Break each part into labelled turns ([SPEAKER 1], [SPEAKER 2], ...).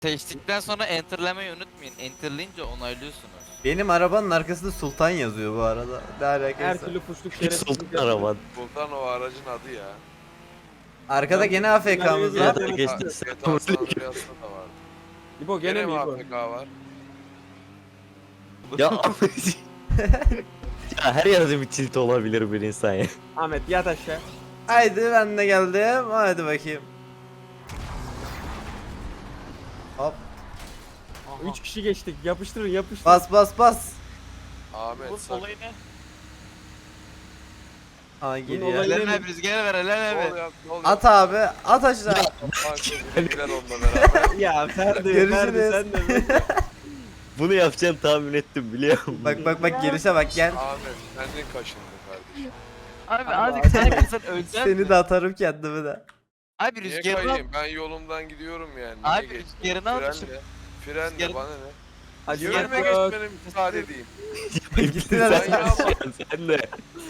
[SPEAKER 1] Seçtikten sonra enterlemeyi unutmayın. Enterleyince onaylıyorsunuz.
[SPEAKER 2] Benim arabanın arkasında Sultan yazıyor bu arada. Ne
[SPEAKER 3] Her
[SPEAKER 2] alakası?
[SPEAKER 3] türlü puşluk
[SPEAKER 4] Hiç
[SPEAKER 3] şerefsizlik
[SPEAKER 4] sultan
[SPEAKER 3] yapıyor.
[SPEAKER 4] araban.
[SPEAKER 5] Sultan o aracın adı ya.
[SPEAKER 2] Arkada gene AFK'mız
[SPEAKER 3] Ya
[SPEAKER 2] var.
[SPEAKER 3] da-
[SPEAKER 4] Geçti.
[SPEAKER 5] GTA San Andreas'ta da vardı.
[SPEAKER 3] İbo gene
[SPEAKER 5] Gene
[SPEAKER 3] mi
[SPEAKER 5] mi
[SPEAKER 3] İbo?
[SPEAKER 5] AFK var?
[SPEAKER 4] Ya ya her yerde bir tilt olabilir bir insan ya.
[SPEAKER 3] Ahmet yat aşağı.
[SPEAKER 2] Haydi ben de geldim. Hadi bakayım. Hop.
[SPEAKER 3] 3 kişi geçtik. Yapıştırın yapıştırın.
[SPEAKER 2] Bas bas bas.
[SPEAKER 5] Ahmet
[SPEAKER 1] Bu
[SPEAKER 5] sakın.
[SPEAKER 1] olayı ne?
[SPEAKER 2] Ha
[SPEAKER 3] olayı-
[SPEAKER 2] geliyor.
[SPEAKER 1] Ellerine hep rüzgar ver ellerine
[SPEAKER 5] Ne
[SPEAKER 1] hep.
[SPEAKER 5] oluyor? Ne oluyor?
[SPEAKER 2] At abi. At aşağı.
[SPEAKER 5] Gider onunla beraber.
[SPEAKER 3] Ya Ferdi,
[SPEAKER 2] Görüşürüz.
[SPEAKER 3] Ferdi sen de mi?
[SPEAKER 4] Bunu yapacağını tahmin ettim biliyor musun?
[SPEAKER 2] Bak bak bak gelişe bak gel.
[SPEAKER 5] Ahmet kendin kaşındın kardeşim.
[SPEAKER 1] Abi
[SPEAKER 3] Allah
[SPEAKER 1] azıcık sen kızın öleceksin.
[SPEAKER 2] Seni de atarım kendimi de.
[SPEAKER 1] Abi
[SPEAKER 5] Niye
[SPEAKER 1] rüzgarını al.
[SPEAKER 5] kayayım? Ben yolumdan gidiyorum yani.
[SPEAKER 1] Abi
[SPEAKER 5] Niye geçtim?
[SPEAKER 1] rüzgarını al.
[SPEAKER 5] Frenle. Frenle
[SPEAKER 1] Rüzgarını-
[SPEAKER 5] bana ne?
[SPEAKER 3] Hadi
[SPEAKER 5] Yönüme
[SPEAKER 3] yok.
[SPEAKER 5] geçmene müsaade edeyim.
[SPEAKER 2] Gittiler.
[SPEAKER 5] Ben yapma.
[SPEAKER 4] Sen de.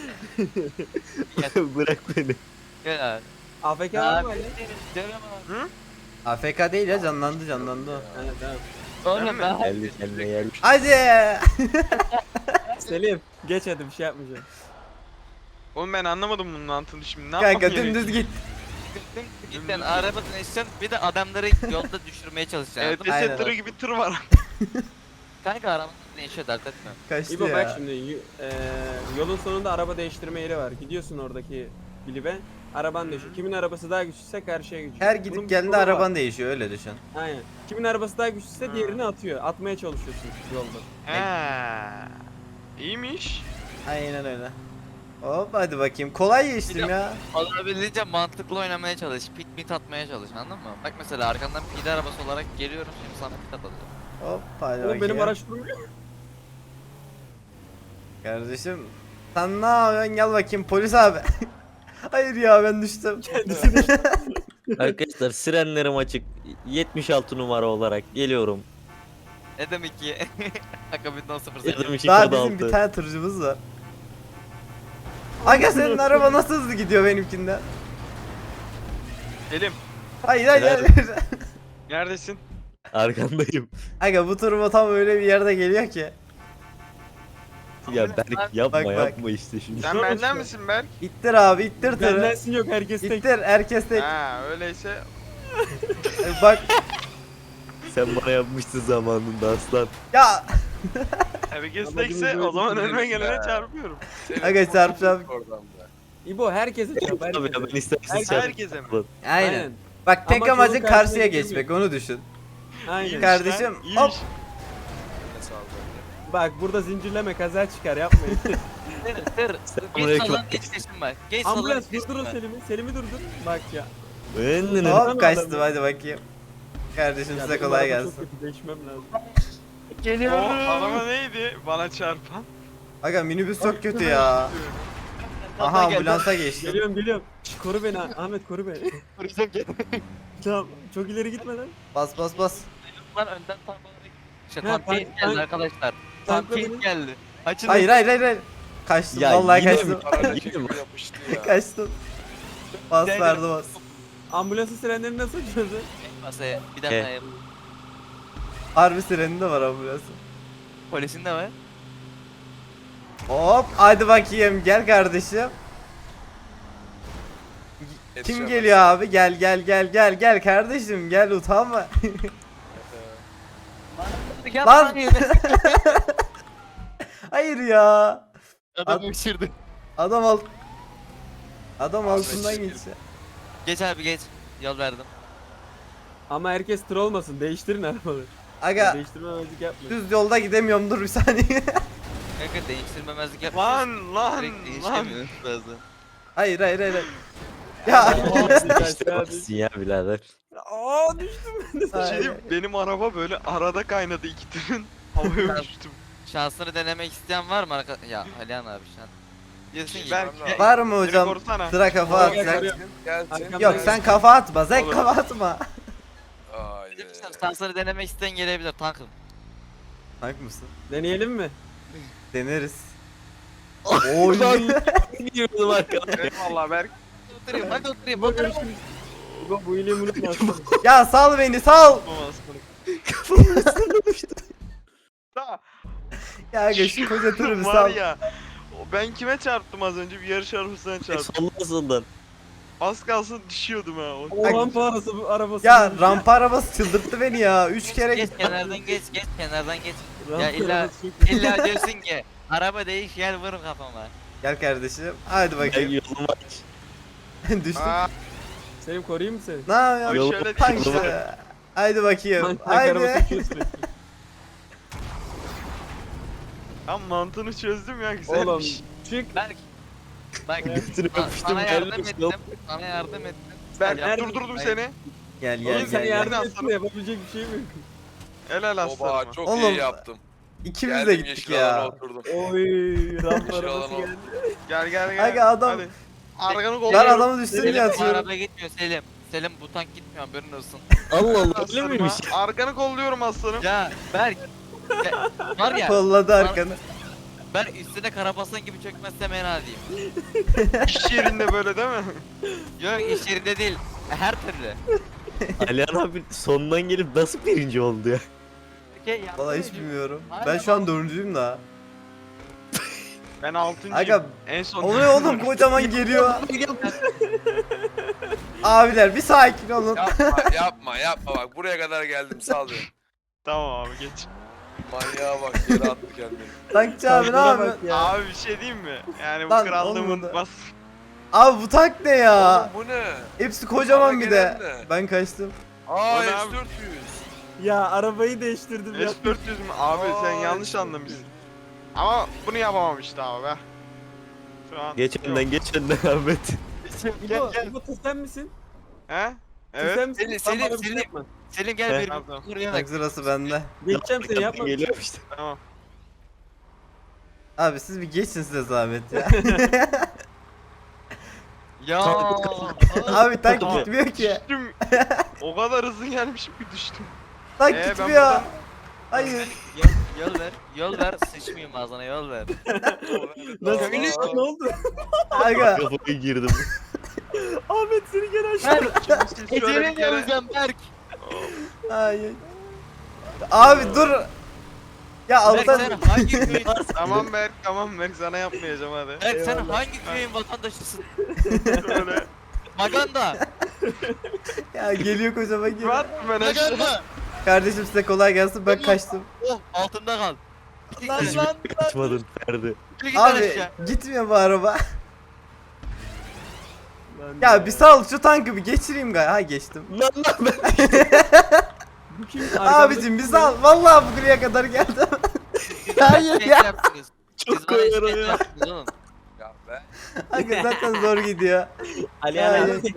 [SPEAKER 4] Bırak beni.
[SPEAKER 1] Gel abi.
[SPEAKER 3] AFK var mı
[SPEAKER 1] Abi
[SPEAKER 3] Ali?
[SPEAKER 1] canım abi.
[SPEAKER 2] AFK değil ya canlandı o.
[SPEAKER 3] Evet tamam.
[SPEAKER 1] Oğlum ben
[SPEAKER 4] Geldi kendine gelmiş.
[SPEAKER 2] Hadi.
[SPEAKER 3] Selim geç hadi bir şey yapmayacağım.
[SPEAKER 6] Oğlum ben anlamadım bunun mantığını şimdi. Ne
[SPEAKER 2] Kanka
[SPEAKER 6] yapmam gerekiyor?
[SPEAKER 2] dümdüz git.
[SPEAKER 1] gitten arabadan eşeceksin bir de adamları yolda düşürmeye çalışacaksın.
[SPEAKER 6] Evet,
[SPEAKER 1] anladın mı?
[SPEAKER 2] Aynen.
[SPEAKER 6] tırı gibi tır var.
[SPEAKER 1] Kanka arabanın değişiyor dert etme.
[SPEAKER 2] Kaçtı
[SPEAKER 3] İbo bak
[SPEAKER 2] ya.
[SPEAKER 3] şimdi yolun sonunda araba değiştirme yeri var. Gidiyorsun oradaki bilibe. Araban değişiyor. Kimin arabası daha güçlüyse karşıya geçiyor.
[SPEAKER 2] Her
[SPEAKER 3] Bunun
[SPEAKER 2] gidip
[SPEAKER 3] bir
[SPEAKER 2] geldiğinde
[SPEAKER 3] kolu var.
[SPEAKER 2] araban değişiyor öyle düşün.
[SPEAKER 3] Aynen. Kimin arabası daha güçlüyse diğerini atıyor. Atmaya çalışıyorsun yolda.
[SPEAKER 6] He. İyiymiş.
[SPEAKER 2] Aynen öyle. Hop hadi bakayım. Kolay geçtim ya.
[SPEAKER 1] Olabildiğince mantıklı oynamaya çalış. Pit mit atmaya çalış anladın mı? Bak mesela arkandan pide arabası olarak geliyorum şimdi sana pit atacağım.
[SPEAKER 2] Hop hadi
[SPEAKER 3] Oğlum
[SPEAKER 2] bakayım.
[SPEAKER 3] benim araç durmuyor.
[SPEAKER 2] Kardeşim sen ne yapıyorsun gel bakayım polis abi. Hayır ya ben düştüm.
[SPEAKER 4] Arkadaşlar sirenlerim açık. 76 numara olarak geliyorum.
[SPEAKER 1] Ne demek ki? Akabinden 0
[SPEAKER 4] 22
[SPEAKER 2] Daha
[SPEAKER 4] kod
[SPEAKER 2] bizim bir
[SPEAKER 4] 6.
[SPEAKER 2] tane tırcımız var. Aga senin araba nasıl hızlı gidiyor benimkinden?
[SPEAKER 6] Selim
[SPEAKER 2] Hayır hayır
[SPEAKER 4] Nerede?
[SPEAKER 2] hayır.
[SPEAKER 6] neredesin?
[SPEAKER 4] Arkandayım.
[SPEAKER 2] Aga bu turbo tam öyle bir yerde geliyor ki.
[SPEAKER 4] Ya Berk yapma
[SPEAKER 2] Bak, bak.
[SPEAKER 4] yapma işte şimdi.
[SPEAKER 6] Sen benden misin Berk?
[SPEAKER 2] İttir abi ittir tırı.
[SPEAKER 3] Bendensin yok herkes tek.
[SPEAKER 2] İttir herkes tek.
[SPEAKER 6] Ha öyleyse
[SPEAKER 2] Bak
[SPEAKER 4] Sen bana yapmıştın zamanında aslan.
[SPEAKER 2] ya.
[SPEAKER 6] herkes
[SPEAKER 3] Amacımız
[SPEAKER 6] tekse
[SPEAKER 3] oydu.
[SPEAKER 6] o zaman önüme gelene
[SPEAKER 5] Ya.
[SPEAKER 6] çarpıyorum.
[SPEAKER 5] Senin
[SPEAKER 2] Aga çarpacağım.
[SPEAKER 5] oradan da.
[SPEAKER 3] İbo herkese çarp
[SPEAKER 4] Tabii ya
[SPEAKER 3] herkese.
[SPEAKER 4] ben istersen
[SPEAKER 6] Herkese mi?
[SPEAKER 2] Aynen. Bak tek
[SPEAKER 3] Amaç yolun
[SPEAKER 2] amacın
[SPEAKER 3] karşısına
[SPEAKER 2] karşıya
[SPEAKER 3] geçmek.
[SPEAKER 2] geçmek onu düşün.
[SPEAKER 3] Aynen.
[SPEAKER 6] İyiymiş
[SPEAKER 2] Kardeşim,
[SPEAKER 6] lan,
[SPEAKER 2] hop.
[SPEAKER 6] iyiymiş.
[SPEAKER 5] Ne sağ ol bende.
[SPEAKER 3] Bak burada zincirleme kaza çıkar yapmayın.
[SPEAKER 1] Tır.
[SPEAKER 4] buraya
[SPEAKER 1] Geç
[SPEAKER 4] bak.
[SPEAKER 1] sallan geç seçim var. Geç sallan
[SPEAKER 3] Ambulans
[SPEAKER 1] geç
[SPEAKER 3] durdurun
[SPEAKER 1] seçim var.
[SPEAKER 3] Selim'i. Selim'i durdur. Bak ya.
[SPEAKER 4] Ben
[SPEAKER 2] Hop kaçtım hadi bakayım. Kardeşim
[SPEAKER 3] Ya
[SPEAKER 2] size
[SPEAKER 3] benim
[SPEAKER 2] kolay
[SPEAKER 3] araba
[SPEAKER 2] gelsin.
[SPEAKER 3] Çok kötü değişmem lazım.
[SPEAKER 6] O
[SPEAKER 1] Geliyorum.
[SPEAKER 6] araba neydi bana çarpan?
[SPEAKER 2] Aga minibüs çok kötü ya. Aha ambulansa geçtim.
[SPEAKER 3] Geliyorum geliyorum. Şş, koru beni Ahmet koru beni.
[SPEAKER 1] Vuracağım gel.
[SPEAKER 3] Tamam çok ileri gitmeden.
[SPEAKER 2] Bas bas bas.
[SPEAKER 1] Lan önden tank olarak. İşte
[SPEAKER 3] Ha,
[SPEAKER 1] tank
[SPEAKER 3] tank-
[SPEAKER 1] keyif geldi
[SPEAKER 3] tank-
[SPEAKER 1] arkadaşlar.
[SPEAKER 3] tankla
[SPEAKER 1] Tank keyif
[SPEAKER 3] beni-
[SPEAKER 1] geldi. Açın.
[SPEAKER 2] Hayır hayır hayır hayır. Kaçtım
[SPEAKER 4] Ya
[SPEAKER 2] vallahi
[SPEAKER 4] yine
[SPEAKER 2] kaçtım.
[SPEAKER 4] mi?
[SPEAKER 5] Aracı
[SPEAKER 4] Yine
[SPEAKER 5] gibi
[SPEAKER 4] mi?
[SPEAKER 5] yapıştı ya.
[SPEAKER 2] Kaçtım. Bas
[SPEAKER 1] Gel,
[SPEAKER 2] verdi
[SPEAKER 1] gel.
[SPEAKER 2] bas.
[SPEAKER 3] Ambulansın sirenlerini nasıl açıyorsun?
[SPEAKER 1] Masaya bir dakika
[SPEAKER 4] He.
[SPEAKER 1] yap.
[SPEAKER 2] Harbi sireni de var ambulansın.
[SPEAKER 1] Polisin de var.
[SPEAKER 2] Hop hadi bakayım gel kardeşim. Kim
[SPEAKER 5] Yetişemez.
[SPEAKER 2] geliyor abi? Gel gel gel gel gel kardeşim gel utanma. Lan! Hayır ya.
[SPEAKER 1] Adam uçurdu.
[SPEAKER 2] Adam alt. Adam
[SPEAKER 5] Abi,
[SPEAKER 2] altından
[SPEAKER 5] çekil.
[SPEAKER 2] geçti.
[SPEAKER 1] Geç abi geç. Yol verdim.
[SPEAKER 3] Ama herkes tır olmasın. Değiştirin arabaları.
[SPEAKER 2] Aga
[SPEAKER 3] Değiştirmemezlik yapmayın.
[SPEAKER 2] düz yolda gidemiyorum dur bir saniye.
[SPEAKER 1] Kanka değiştirmemezlik yapma.
[SPEAKER 6] Lan lan
[SPEAKER 1] Direkt
[SPEAKER 6] lan.
[SPEAKER 1] değiştirmiyoruz bazen.
[SPEAKER 2] hayır hayır hayır. hayır. Ya.
[SPEAKER 4] İstemezsin ya birader.
[SPEAKER 3] Aa düştüm ben de.
[SPEAKER 6] Bir şey diyeyim, benim araba böyle arada kaynadı iki tırın. Havaya uçtum.
[SPEAKER 1] Şansını denemek isteyen var mı arka... Ya Alihan abi şu an. Diyorsun ki
[SPEAKER 6] Berk,
[SPEAKER 2] Var mı
[SPEAKER 6] Beni
[SPEAKER 2] hocam?
[SPEAKER 6] korusana.
[SPEAKER 2] Sıra kafa
[SPEAKER 3] Oraya gel,
[SPEAKER 2] atacak.
[SPEAKER 3] oraya.
[SPEAKER 5] Gelsin.
[SPEAKER 3] Arkamda
[SPEAKER 2] Yok sen kafa atma. Sen
[SPEAKER 6] Olur.
[SPEAKER 2] kafa atma.
[SPEAKER 5] Haydi.
[SPEAKER 1] şansını denemek isteyen gelebilir tankım.
[SPEAKER 2] Tank mısın?
[SPEAKER 3] Deneyelim mi?
[SPEAKER 2] Deneriz. Oy.
[SPEAKER 4] Gidiyordum arkadaşlar.
[SPEAKER 6] Eyvallah Berk.
[SPEAKER 1] Oturayım hadi oturayım
[SPEAKER 3] İbo
[SPEAKER 1] oturayım.
[SPEAKER 3] görüşürüz. İbo bu iyiliğimi unutma aslanım.
[SPEAKER 2] Ya sal beni sal.
[SPEAKER 6] Olmaz.
[SPEAKER 2] Ya aga şu koca turu bir
[SPEAKER 6] Var
[SPEAKER 2] sal.
[SPEAKER 6] ya. Ben kime çarptım az önce? Bir yarış arabasına çarptım.
[SPEAKER 4] Sonrasından.
[SPEAKER 6] Az kalsın düşüyordum ha.
[SPEAKER 3] O rampa arabası.
[SPEAKER 2] Ya rampa arabası çıldırttı beni ya. 3 kere
[SPEAKER 1] Geç
[SPEAKER 2] gittim.
[SPEAKER 1] kenardan geç kenardan geç.
[SPEAKER 3] Rampa
[SPEAKER 1] Ya illa
[SPEAKER 3] arabası çok-
[SPEAKER 1] illa diyorsun ki araba değiş gel vurun kafama.
[SPEAKER 2] Gel kardeşim. Hadi
[SPEAKER 4] Ben
[SPEAKER 2] bakayım.
[SPEAKER 4] yolumu aç.
[SPEAKER 2] Düştüm.
[SPEAKER 6] Aa,
[SPEAKER 3] Selim koruyayım mı seni?
[SPEAKER 2] Ne yapıyorsun?
[SPEAKER 4] Yol-
[SPEAKER 6] şöyle
[SPEAKER 2] Tank
[SPEAKER 6] değil.
[SPEAKER 2] işte. Haydi bakayım.
[SPEAKER 3] Tank arabası
[SPEAKER 2] Haydi.
[SPEAKER 3] uçuyor sürekli.
[SPEAKER 6] Ben mantığını çözdüm ya güzelmiş.
[SPEAKER 3] Oğlum çık.
[SPEAKER 1] Berk. Bak
[SPEAKER 4] Götünü öpüştüm,
[SPEAKER 1] sana yardım
[SPEAKER 4] geldim,
[SPEAKER 1] ettim.
[SPEAKER 4] yok.
[SPEAKER 1] Sana yardım ettim.
[SPEAKER 6] Ben
[SPEAKER 3] Nerede-
[SPEAKER 6] durdurdum
[SPEAKER 1] Hayır.
[SPEAKER 6] seni.
[SPEAKER 2] Gel
[SPEAKER 3] Oğlum
[SPEAKER 2] gel
[SPEAKER 3] sen
[SPEAKER 2] gel.
[SPEAKER 3] yardım
[SPEAKER 6] gel.
[SPEAKER 3] etsin de yapabilecek bir şey mi?
[SPEAKER 6] Helal
[SPEAKER 5] Oba
[SPEAKER 6] aslanıma.
[SPEAKER 5] çok
[SPEAKER 2] Oğlum,
[SPEAKER 5] iyi yaptım.
[SPEAKER 2] İkimiz de
[SPEAKER 5] Geldim
[SPEAKER 2] gittik
[SPEAKER 5] yeşil alana
[SPEAKER 2] ya.
[SPEAKER 5] oturdum.
[SPEAKER 3] Oy rampa
[SPEAKER 5] Yeşil
[SPEAKER 3] arabası
[SPEAKER 5] alana
[SPEAKER 3] geldi.
[SPEAKER 6] Gel gel.
[SPEAKER 2] Aga adam-
[SPEAKER 6] Hadi. Arkanı
[SPEAKER 2] Lan
[SPEAKER 6] kolluyorum.
[SPEAKER 2] adamı düşsün
[SPEAKER 1] Selim
[SPEAKER 2] diye
[SPEAKER 1] bu
[SPEAKER 2] atıyorum.
[SPEAKER 1] araba gitmiyor Selim. Selim bu tank gitmiyor haberin olsun.
[SPEAKER 4] Allah Allah öyle
[SPEAKER 6] Aslanıma.
[SPEAKER 4] miymiş?
[SPEAKER 6] Arkanı kolluyorum aslanım.
[SPEAKER 1] Ya Berk. Ya, var ya
[SPEAKER 2] Kolladı arkanı.
[SPEAKER 1] ben üstüne karabasan gibi çökmezsem fena diyeyim.
[SPEAKER 6] İş yerinde böyle değil mi?
[SPEAKER 1] Yok iş yerinde değil. Her türlü.
[SPEAKER 4] Alihan abi sondan gelip nasıl birinci oldu ya?
[SPEAKER 1] Okey, yardım
[SPEAKER 2] Valla hiç
[SPEAKER 1] edeyim.
[SPEAKER 2] bilmiyorum.
[SPEAKER 1] Aynen
[SPEAKER 2] Ben şu an
[SPEAKER 1] bak.
[SPEAKER 2] 4'üncüyüm daha.
[SPEAKER 6] Ben 6.'yım.
[SPEAKER 2] Aga
[SPEAKER 6] En son.
[SPEAKER 2] oluyor oğlum kocaman geliyor. Abiler bir sakin olun.
[SPEAKER 5] Yapma bak buraya kadar geldim sal beni.
[SPEAKER 6] Tamam abi geç.
[SPEAKER 5] Manyağa bak yere attı kendini.
[SPEAKER 2] Tankçı abi ne
[SPEAKER 3] Tankına
[SPEAKER 2] yapıyorsun?
[SPEAKER 3] bak ya.
[SPEAKER 6] Abi bir şey diyeyim mi? Yani bu
[SPEAKER 2] Lan,
[SPEAKER 6] krallığımı
[SPEAKER 2] olmadı.
[SPEAKER 6] unutmaz.
[SPEAKER 2] Abi bu tank ne ya?
[SPEAKER 5] Oğlum bu ne?
[SPEAKER 2] Hepsi kocaman
[SPEAKER 5] Bana
[SPEAKER 2] bir de.
[SPEAKER 5] gelen ne?
[SPEAKER 2] Ben kaçtım.
[SPEAKER 5] Aa
[SPEAKER 6] O ne abi?
[SPEAKER 5] S400.
[SPEAKER 3] Ya arabayı değiştirdim ya.
[SPEAKER 6] S400 mü? Abi sen
[SPEAKER 5] Aa,
[SPEAKER 6] yanlış
[SPEAKER 5] S400.
[SPEAKER 6] anlamışsın. Ama bunu yapamam işte abi be. Şu an
[SPEAKER 4] Geç
[SPEAKER 6] yok.
[SPEAKER 4] önden geç önden Ahmet.
[SPEAKER 3] İbo, İbo tız sen misin?
[SPEAKER 6] He?
[SPEAKER 3] Tız
[SPEAKER 6] Evet.
[SPEAKER 3] sen misin?
[SPEAKER 1] Selim,
[SPEAKER 3] Sen bana bir
[SPEAKER 1] Selim.
[SPEAKER 3] şey yapma.
[SPEAKER 1] Selim gel bir
[SPEAKER 6] Tamam.
[SPEAKER 1] kuruya
[SPEAKER 2] Tank
[SPEAKER 1] bak.
[SPEAKER 2] sırası bende.
[SPEAKER 3] Geçeceğim seni yapma.
[SPEAKER 4] Geliyor işte.
[SPEAKER 6] Tamam.
[SPEAKER 2] Abi siz bir geçin size zahmet ya.
[SPEAKER 1] Ya.
[SPEAKER 2] Abi tank
[SPEAKER 6] Tamam.
[SPEAKER 2] gitmiyor ki.
[SPEAKER 6] Düştüm. O kadar hızlı gelmişim ki düştüm.
[SPEAKER 2] Tank
[SPEAKER 6] ben
[SPEAKER 2] gitmiyor.
[SPEAKER 6] buradan-
[SPEAKER 2] Hayır.
[SPEAKER 1] Yol ver. Yol ver. Sıçmayayım ağzına yol ver.
[SPEAKER 3] Nasıl?
[SPEAKER 5] Aa,
[SPEAKER 3] Ne oldu?
[SPEAKER 2] Aga.
[SPEAKER 4] Kafaya girdim.
[SPEAKER 3] Ahmet seni gene aşağı.
[SPEAKER 6] Siz şöyle
[SPEAKER 1] Eceline
[SPEAKER 6] bir kere...
[SPEAKER 1] geleceğim Berk.
[SPEAKER 2] Hayır. Abi dur. Ya
[SPEAKER 1] Berk
[SPEAKER 2] alttan
[SPEAKER 1] sen hangi köyün?
[SPEAKER 6] Tamam Berk sana yapmayacağım hadi.
[SPEAKER 1] Berk sen hangi köyün vatandaşısın?
[SPEAKER 6] Şöyle.
[SPEAKER 1] Maganda.
[SPEAKER 2] ya geliyor kocaman geliyor.
[SPEAKER 6] Rahat mı ben aşağı?
[SPEAKER 1] Maganda.
[SPEAKER 2] Kardeşim size kolay gelsin ben kaçtım.
[SPEAKER 1] Oh altında kal.
[SPEAKER 2] Lan lan.
[SPEAKER 4] Kaçmadın Ferdi.
[SPEAKER 1] Git
[SPEAKER 2] Abi
[SPEAKER 1] aşağı.
[SPEAKER 2] gitmiyor bu araba. Ya bir sal şu tankı bir geçireyim galiba. Ha geçtim.
[SPEAKER 4] Lan lan ben.
[SPEAKER 3] Bu kim?
[SPEAKER 2] Abicim bir sal. Vallahi buraya kadar geldim. Hayır
[SPEAKER 1] Şey
[SPEAKER 2] ya.
[SPEAKER 1] yaptınız.
[SPEAKER 4] Çok
[SPEAKER 1] Siz bana
[SPEAKER 4] koyarım
[SPEAKER 1] işkence
[SPEAKER 4] ya.
[SPEAKER 1] yaptınız oğlum.
[SPEAKER 5] Ya be.
[SPEAKER 2] Aga zaten zor gidiyor.
[SPEAKER 3] Alihan
[SPEAKER 2] Hayır.
[SPEAKER 3] abi.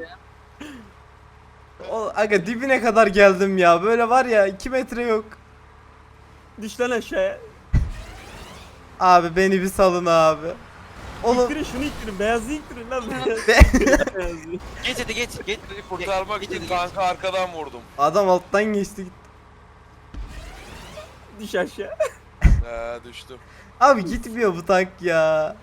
[SPEAKER 2] Aga dibine kadar geldim ya. Böyle var ya 2 metre yok.
[SPEAKER 3] Düş lan aşağıya.
[SPEAKER 2] Abi beni bir salın abi. Oğlum
[SPEAKER 3] İttirin şunu ittirin. Beyazı ittirin lan. Beyazı.
[SPEAKER 1] Geç hadi geç. Geç.
[SPEAKER 5] Seni kurtarmak
[SPEAKER 1] Geç,
[SPEAKER 5] için
[SPEAKER 1] geç.
[SPEAKER 5] kanka arkadan vurdum.
[SPEAKER 2] adam alttan geçti gitti.
[SPEAKER 3] Düş aşağı.
[SPEAKER 5] Düştüm.
[SPEAKER 2] Abi gitmiyor bu tank ya.